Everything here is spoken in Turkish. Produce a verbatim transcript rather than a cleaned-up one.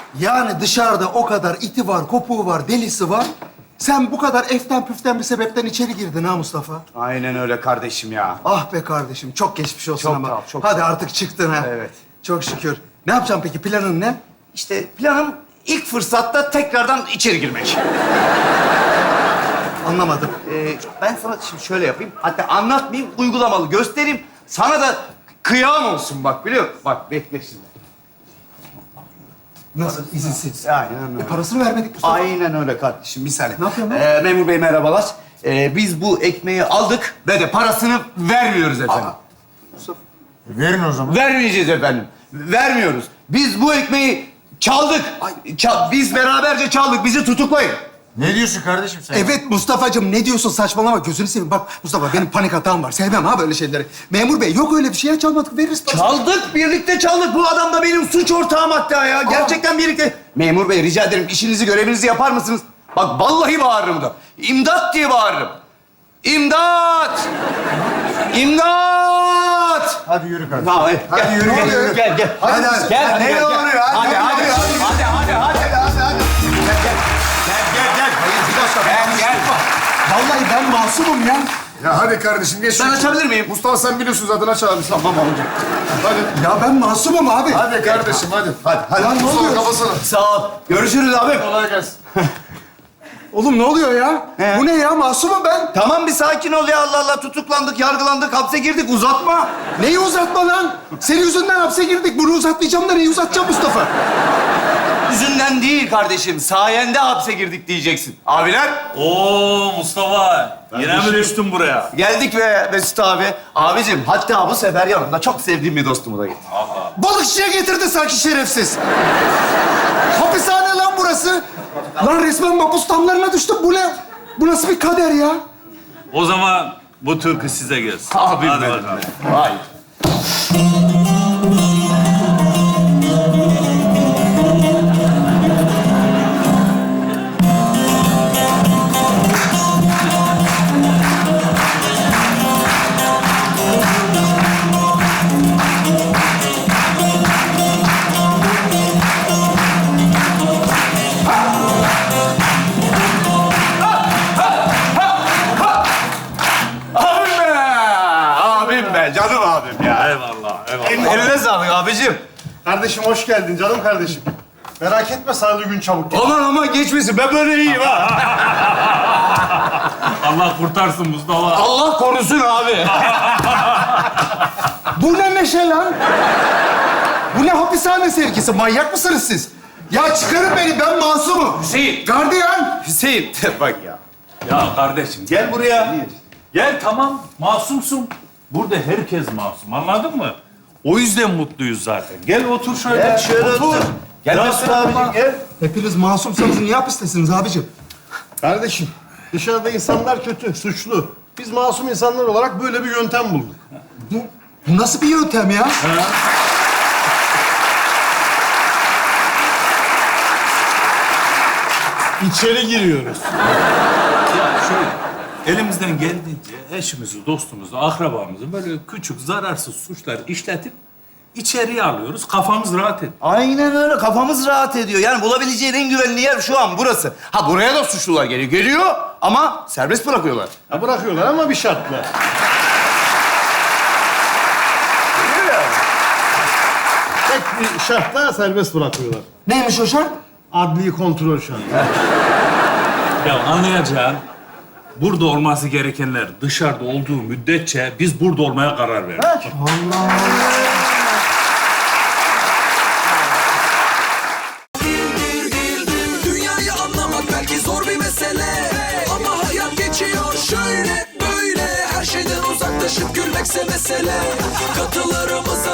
Yani dışarıda o kadar iti var, kopuğu var, delisi var. Sen bu kadar eften püften bir sebepten içeri girdin ha Mustafa. Aynen öyle kardeşim ya. Ah be kardeşim, çok geçmiş olsun Çok ama. sağ ol, çok Hadi sağ ol. artık çıktın ha. Evet. Çok şükür. Ne yapacaksın peki? Planın ne? İşte planım ilk fırsatta tekrardan içeri girmek. Anlamadım. Ee, ben sana şimdi şöyle yapayım. Hatta anlatmayayım, uygulamalı göstereyim. Sana da kıyam olsun bak biliyor musun? Bak bekle şimdi. Nasıl? İzinsiz. Aynen öyle. E, parasını vermedik Mustafa. Aynen öyle kardeşim. Bir saniye. Ne yapıyorsun lan? Ee, memur bey merhabalar. Ee, biz bu ekmeği aldık ve de parasını vermiyoruz efendim. Mustafa. Verin o zaman. Vermeyeceğiz efendim. Vermiyoruz. Biz bu ekmeği çaldık. Çal- biz beraberce çaldık. Bizi tutuklayın. Ne diyorsun kardeşim sen? Evet Mustafa'cığım, ne diyorsun? Saçmalama, gözünü seveyim. Bak Mustafa, benim panik hatam var. Sevmem ha böyle şeyleri. Memur bey, yok öyle bir şey. Ya çalmadık, veririz parasını. Çaldık, birlikte çaldık. Bu adam da benim suç ortağım hatta ya. Gerçekten birlikte. Memur bey rica ederim işinizi, görevinizi yapar mısınız? Bak vallahi bağırırım da. İmdat diye bağırırım. İmdat! İmdat! Hadi yürü kardeşim. Ha, evet. Hadi Gel, yürü, gel, yürü. gel, gel. Hadi, hadi. Gel, Hadi, gel, ne gel. oluyor? Hadi, Hadi, hadi, hadi, hadi, hadi, hadi. Hadi, hadi. Gel, gel. Gel, gel. Vallahi ben masumum ya. Ya hadi kardeşim geç. Ben şu- açabilir miyim? Mustafa sen biliyorsun zaten aç abi. Tamam amca. Hadi. Ya ben masumum abi. Hadi kardeşim hadi. Hadi. Hadi. Ya ne Mustafa oluyor? kafasına. Sağ ol. Görüşürüz abi. Kolay gelsin. Oğlum ne oluyor ya? He. Bu ne ya? Masumum ben. Tamam bir sakin ol ya Allah Allah. Tutuklandık, yargılandık, hapse girdik. Uzatma. Neyi uzatma lan? Senin yüzünden hapse girdik. Bunu uzatmayacağım da neyi uzatacağım Mustafa? Yüzünden değil kardeşim. Sayende hapse girdik diyeceksin. Abiler Oo Mustafa, yine mi düştün buraya? geldik be Mesut abi. Abicim hatta bu sefer yanımda çok sevdiğim bir dostumu da getirdim. Balıkçıya getirdi sanki şerefsiz. Hapishane lan burası. Lan resmen mapus damlarına düştüm. Bu ne? Bu nasıl bir kader ya? O zaman bu türkü size gelsin. Abim Hadi benim. bakalım. Vay. Abim be! Abim be! Canım abim ya. Eyvallah, eyvallah. Eline sağlık abicim. Kardeşim hoş geldin canım kardeşim. Merak etme sağlığı gün çabuk gel. Aman aman geçmesin. Ben böyle iyiyim ha. Allah kurtarsın Mustafa. Allah korusun abi. Bu ne neşe lan? Bu ne hapishane sevgisi? Manyak mısınız siz? Ya çıkarın beni, ben masumum. Hüseyin. Gardiyan. Hüseyin. Bak ya. Ya kardeşim gel buraya. Gel tamam, masumsun. Burada herkes masum, anladın mı? O yüzden mutluyuz zaten. Gel otur şöyle. Gel şöyle otur. Gel Ya Mesut sen abicim bak. gel. Hepiniz masumsanız niye hapistesiniz abicim? Kardeşim dışarıda insanlar kötü, suçlu. Biz masum insanlar olarak böyle bir yöntem bulduk. Bu, bu nasıl bir yöntem ya? İçeri giriyoruz. Ya şöyle, elimizden geldiğince eşimizi, dostumuzu, akrabamızı böyle küçük, zararsız suçlar işletip içeriye alıyoruz. Kafamız rahat ediyor. Aynen öyle. Kafamız rahat ediyor. Yani bulabileceğin en güvenli yer şu an burası. Ha buraya da suçlular geliyor. Geliyor ama serbest bırakıyorlar. Ya bırakıyorlar ama bir şartla. Tek bir şartla serbest bırakıyorlar. Neymiş o şart? Adli kontrol şartı. Ya anlayacağın, burada olması gerekenler dışarıda olduğu müddetçe biz burada olmaya karar verdik. Dünyayı anlamak belki zor bir mesele, ama hayat geçiyor şöyle böyle. Her şeyden uzaklaşıp gülmekse mesele. Katılarımıza